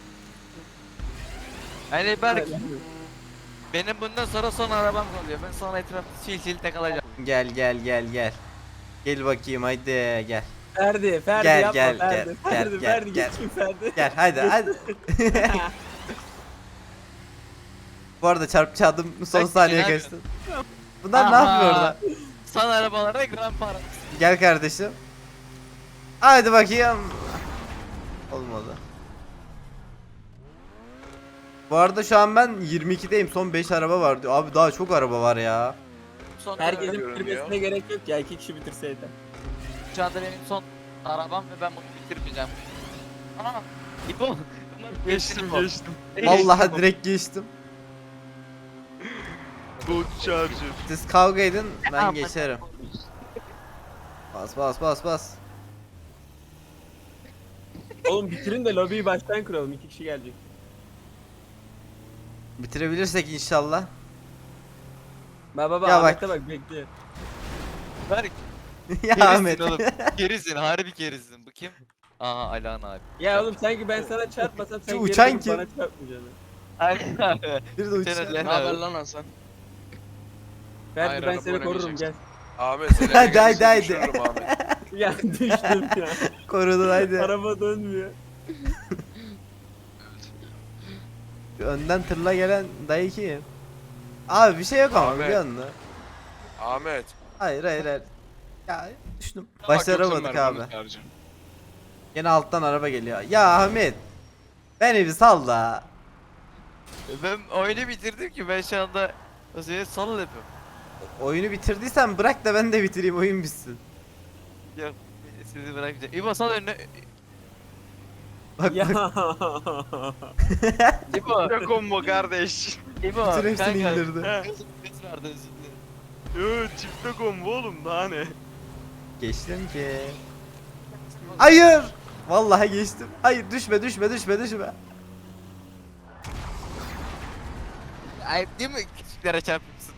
[SPEAKER 1] Yani Berk benim bundan sonra son arabam kalıyor. Ben sonra etrafta sil takılacağım.
[SPEAKER 2] Gel gel gel gel. Gel bakayım haydi gel.
[SPEAKER 3] Ferdi
[SPEAKER 2] Gel,
[SPEAKER 3] yapma
[SPEAKER 2] gel,
[SPEAKER 3] Ferdi.
[SPEAKER 2] gel,
[SPEAKER 3] Ferdi,
[SPEAKER 2] gel,
[SPEAKER 3] Ferdi
[SPEAKER 2] gel.
[SPEAKER 3] geçin Ferdi.
[SPEAKER 2] Gel hadi hadi. Bu arada çarpıcı adım son
[SPEAKER 1] Bak,
[SPEAKER 2] saniye
[SPEAKER 1] ne
[SPEAKER 2] geçti. Bunlar ne
[SPEAKER 1] Aha.
[SPEAKER 2] yapıyor orada?
[SPEAKER 1] Son arabalara grand para.
[SPEAKER 2] Gel kardeşim. Hadi bakayım. Olmadı. Bu arada şu an ben 22'deyim. Son 5 araba var diyor. Abi daha çok araba var ya.
[SPEAKER 1] Son
[SPEAKER 3] Herkesin
[SPEAKER 5] Görünüyor.
[SPEAKER 3] bitirmesine gerek yok ya 2 kişi bitirseydi.
[SPEAKER 1] Şu anda benim son arabam ve ben bunu bitirmeyeceğim. Aa, İbo.
[SPEAKER 6] Geçtim geçtim.
[SPEAKER 2] Vallahi direkt geçtim.
[SPEAKER 6] Bu charger.
[SPEAKER 2] Siz kavga edin ben
[SPEAKER 1] Aman.
[SPEAKER 2] geçerim. Bas bas bas bas.
[SPEAKER 3] Oğlum bitirin de lobiyi baştan kuralım 2 kişi gelecek.
[SPEAKER 2] Bitirebilirsek inşallah.
[SPEAKER 3] Baba
[SPEAKER 2] Ya
[SPEAKER 3] Ahmet'e bak bekliyor.
[SPEAKER 1] Berk.
[SPEAKER 2] Ya
[SPEAKER 1] Kerisin
[SPEAKER 2] Ahmet.
[SPEAKER 1] oğlum. Kerisin harbi kerisin. Bu kim? Aha Alan abi.
[SPEAKER 3] Ya oğlum sanki ben sana çarpmasam sen
[SPEAKER 2] Şu
[SPEAKER 3] geri
[SPEAKER 2] uçan
[SPEAKER 3] dönüp
[SPEAKER 2] kim?
[SPEAKER 3] bana çarpmayacaksın.
[SPEAKER 1] Alan abi.
[SPEAKER 2] Bir de
[SPEAKER 1] Sen
[SPEAKER 2] uçuyor.
[SPEAKER 1] Alan
[SPEAKER 6] Ne haber
[SPEAKER 1] abi.
[SPEAKER 6] lan Hasan?
[SPEAKER 3] Ferdi
[SPEAKER 6] Hayır,
[SPEAKER 3] ben
[SPEAKER 6] araba
[SPEAKER 3] seni korurum gel.
[SPEAKER 6] oynamayacaksın.
[SPEAKER 5] Ahmet seni
[SPEAKER 2] Hadi, hadi, hadi.
[SPEAKER 5] düşürürüm Ahmet.
[SPEAKER 3] Ya düştüm ya.
[SPEAKER 2] Korudun haydi.
[SPEAKER 3] Araba dönmüyor.
[SPEAKER 2] Önden tırla gelen dayı kim? Abi bir şey yok ama
[SPEAKER 5] Ahmet.
[SPEAKER 2] biliyor musun?
[SPEAKER 5] Ahmet.
[SPEAKER 2] Hayır hayır hayır. Ya düştüm.
[SPEAKER 6] Bak,
[SPEAKER 2] Başaramadık
[SPEAKER 6] yoksa
[SPEAKER 2] abi.
[SPEAKER 6] Mervan'ın charger.
[SPEAKER 2] Yine alttan araba geliyor. Ya Ahmet. Beni bir sal da.
[SPEAKER 1] Ben oyunu bitirdim ki ben şu anda o seni sal yapıyorum.
[SPEAKER 2] Oyunu bitirdiysen bırak da ben de bitireyim oyun bitsin.
[SPEAKER 1] Yok sizi bırakacağım. İbo sal önüne.
[SPEAKER 2] Bak
[SPEAKER 3] Ya.
[SPEAKER 2] bak.
[SPEAKER 1] İbo.
[SPEAKER 6] Ne combo kardeş.
[SPEAKER 1] İbo.
[SPEAKER 2] Bütün hepsini
[SPEAKER 1] kanka.
[SPEAKER 2] indirdi.
[SPEAKER 1] Kız vardı özür dilerim.
[SPEAKER 6] Yo çifte combo oğlum daha ne?
[SPEAKER 2] geçtim ki. Hayır. Vallahi geçtim. Hayır düşme düşme düşme düşme.
[SPEAKER 1] Ay değil mi? Küçüklere çarpıyorsun.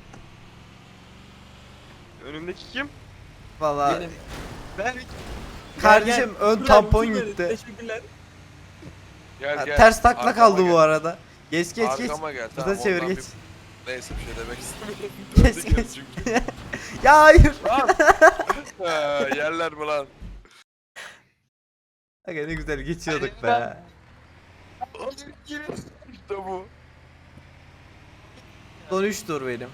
[SPEAKER 6] Önümdeki kim?
[SPEAKER 2] Vallahi
[SPEAKER 3] Benim.
[SPEAKER 1] Ben
[SPEAKER 2] kardeşim ön
[SPEAKER 3] Dur
[SPEAKER 2] tampon
[SPEAKER 3] abi, süper,
[SPEAKER 2] gitti.
[SPEAKER 3] Teşekkürler.
[SPEAKER 5] Gel
[SPEAKER 2] Ha,
[SPEAKER 5] gel.
[SPEAKER 2] ters takla
[SPEAKER 5] Arkama
[SPEAKER 2] kaldı
[SPEAKER 5] gel.
[SPEAKER 2] bu arada. Geç geç geç.
[SPEAKER 5] Arkama gel.
[SPEAKER 2] Burada çevir
[SPEAKER 5] ondan
[SPEAKER 2] geç.
[SPEAKER 5] Neyse bir şey demek istemiyorum.
[SPEAKER 2] Geç,
[SPEAKER 5] Döndü geri
[SPEAKER 2] geç.
[SPEAKER 5] çünkü.
[SPEAKER 2] Ya hayır.
[SPEAKER 5] Lan! Yerler mi lan?
[SPEAKER 2] Aga ne güzel geçiyorduk
[SPEAKER 1] Hayır,
[SPEAKER 2] be.
[SPEAKER 5] İşte bu.
[SPEAKER 2] Son 3 tur benim.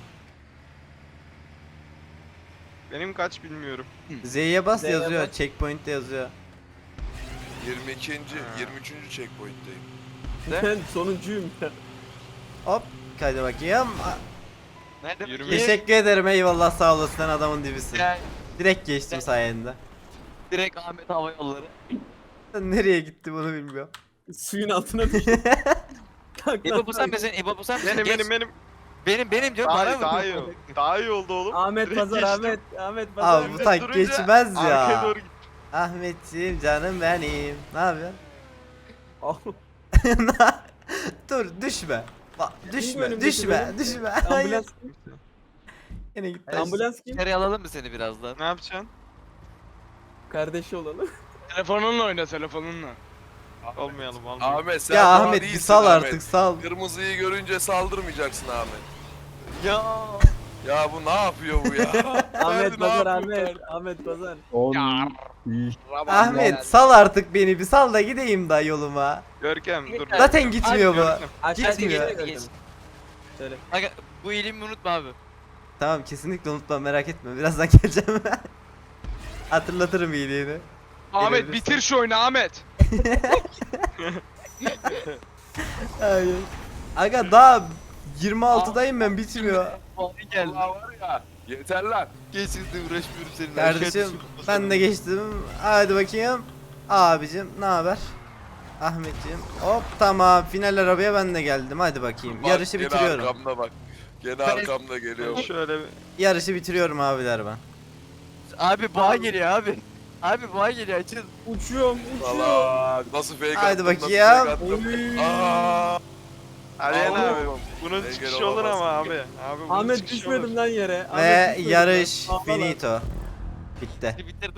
[SPEAKER 6] Benim kaç bilmiyorum.
[SPEAKER 2] Z'ye bas
[SPEAKER 3] Z'ye
[SPEAKER 2] yazıyor.
[SPEAKER 3] bas.
[SPEAKER 2] Checkpoint'te yazıyor.
[SPEAKER 5] 22. 23. checkpoint'teyim.
[SPEAKER 3] Ben sonuncuyum ya.
[SPEAKER 2] Hop. Hadi bakayım.
[SPEAKER 1] Nerede?
[SPEAKER 6] Yürüme.
[SPEAKER 2] Teşekkür ederim eyvallah sağ olasın sen adamın dibisin.
[SPEAKER 1] Ya,
[SPEAKER 2] Direkt geçtim sayende.
[SPEAKER 1] direkt Ahmet Hava Yolları.
[SPEAKER 2] Sen nereye gitti bunu bilmiyorum.
[SPEAKER 3] Suyun altına düştüm. Kalk lan,
[SPEAKER 1] İbo bu sen
[SPEAKER 3] kalk.
[SPEAKER 1] misin? İbo bu sen misin?
[SPEAKER 6] Benim
[SPEAKER 1] Geç.
[SPEAKER 6] benim benim.
[SPEAKER 1] Benim diyorum bana mı?
[SPEAKER 6] Daha iyi oldu. Daha iyi oldu oğlum.
[SPEAKER 3] Ahmet
[SPEAKER 6] Direkt
[SPEAKER 3] Pazar,
[SPEAKER 6] geçtim.
[SPEAKER 3] Ahmet Pazar.
[SPEAKER 2] Abi bu tank
[SPEAKER 6] Durunca
[SPEAKER 2] geçmez
[SPEAKER 6] Arkaya
[SPEAKER 2] ya.
[SPEAKER 6] doğru git.
[SPEAKER 2] Ahmetciğim canım benim. Ne yapıyorsun?
[SPEAKER 3] Oh,
[SPEAKER 2] Dur düşme. Bak, düşme
[SPEAKER 3] önümdeki
[SPEAKER 2] düşme
[SPEAKER 3] benim.
[SPEAKER 2] düşme. Hayır.
[SPEAKER 3] ambulans kim?
[SPEAKER 2] Yine gitti.
[SPEAKER 3] Ambulans kim?
[SPEAKER 1] İçeri alalım mı seni birazdan?
[SPEAKER 6] Ne yapacaksın?
[SPEAKER 3] Kardeşi olalım.
[SPEAKER 7] Telefonunla oyna telefonunla.
[SPEAKER 6] Olmayalım olmayalım.
[SPEAKER 5] Ahmet sen
[SPEAKER 2] Ya
[SPEAKER 5] daha
[SPEAKER 2] Ahmet bir
[SPEAKER 5] değilsin
[SPEAKER 2] sal
[SPEAKER 5] Ahmet.
[SPEAKER 2] artık sal.
[SPEAKER 5] Kırmızıyı görünce saldırmayacaksın Ahmet.
[SPEAKER 1] Ya.
[SPEAKER 5] Ya bu ne yapıyor bu ya?
[SPEAKER 3] Ahmet
[SPEAKER 5] ne
[SPEAKER 3] Pazar,
[SPEAKER 5] yapıyor
[SPEAKER 3] Ahmet. Ahmet Pazar.
[SPEAKER 2] Ahmet sal artık beni bir sal da gideyim da yoluma.
[SPEAKER 6] Görkem dur.
[SPEAKER 2] Zaten gitmiyor bu.
[SPEAKER 6] Görkem.
[SPEAKER 3] Aşağı
[SPEAKER 2] Gitmiyor.
[SPEAKER 3] geç. Söyle.
[SPEAKER 1] Aga bu iyiliğimi unutma abi.
[SPEAKER 2] Tamam kesinlikle unutma merak etme birazdan geleceğim. Hatırlatırım iyiliğini.
[SPEAKER 7] Ahmet
[SPEAKER 2] Gelebilirsin.
[SPEAKER 7] bitir şu oyunu Ahmet.
[SPEAKER 2] Hayır. Aga daha 26'dayım ben bitmiyor.
[SPEAKER 1] Puanı geldi.
[SPEAKER 5] Allah var ya. Yeter lan.
[SPEAKER 1] Geçildi uğraşmıyorum seninle.
[SPEAKER 2] Kardeşim ben de geçtim. Hadi bakayım. Abicim ne haber? Ahmetciğim. Hop tamam final arabaya ben de geldim. Hadi bakayım.
[SPEAKER 5] Bak,
[SPEAKER 2] Yarışı
[SPEAKER 5] gene
[SPEAKER 2] bitiriyorum.
[SPEAKER 5] Arkamda bak. Gene arkamda geliyor. bak.
[SPEAKER 6] Şöyle bir.
[SPEAKER 2] Yarışı bitiriyorum abiler ben.
[SPEAKER 1] Abi boğa geliyor abi. Abi boğa geliyor açın.
[SPEAKER 3] Uçuyorum, uçuyorum.
[SPEAKER 5] Salak. Nasıl fake
[SPEAKER 2] Haydi
[SPEAKER 5] attım,
[SPEAKER 2] bakayım.
[SPEAKER 5] Nasıl fake attım.
[SPEAKER 3] Oy.
[SPEAKER 5] Aa,
[SPEAKER 6] Aliyen
[SPEAKER 5] Allah
[SPEAKER 6] abi.
[SPEAKER 5] oğlum.
[SPEAKER 6] Bunun
[SPEAKER 5] Engel
[SPEAKER 6] çıkışı olur
[SPEAKER 5] olamazsın.
[SPEAKER 6] ama abi. Abi bunun
[SPEAKER 3] Ahmet
[SPEAKER 6] çıkışı
[SPEAKER 3] düşmedim
[SPEAKER 6] olur.
[SPEAKER 3] lan yere.
[SPEAKER 2] Ve
[SPEAKER 3] Ahmet düşmedim
[SPEAKER 2] yarış
[SPEAKER 3] lan. Ağla lan.
[SPEAKER 2] finito. Bitti.
[SPEAKER 1] Bitirdim.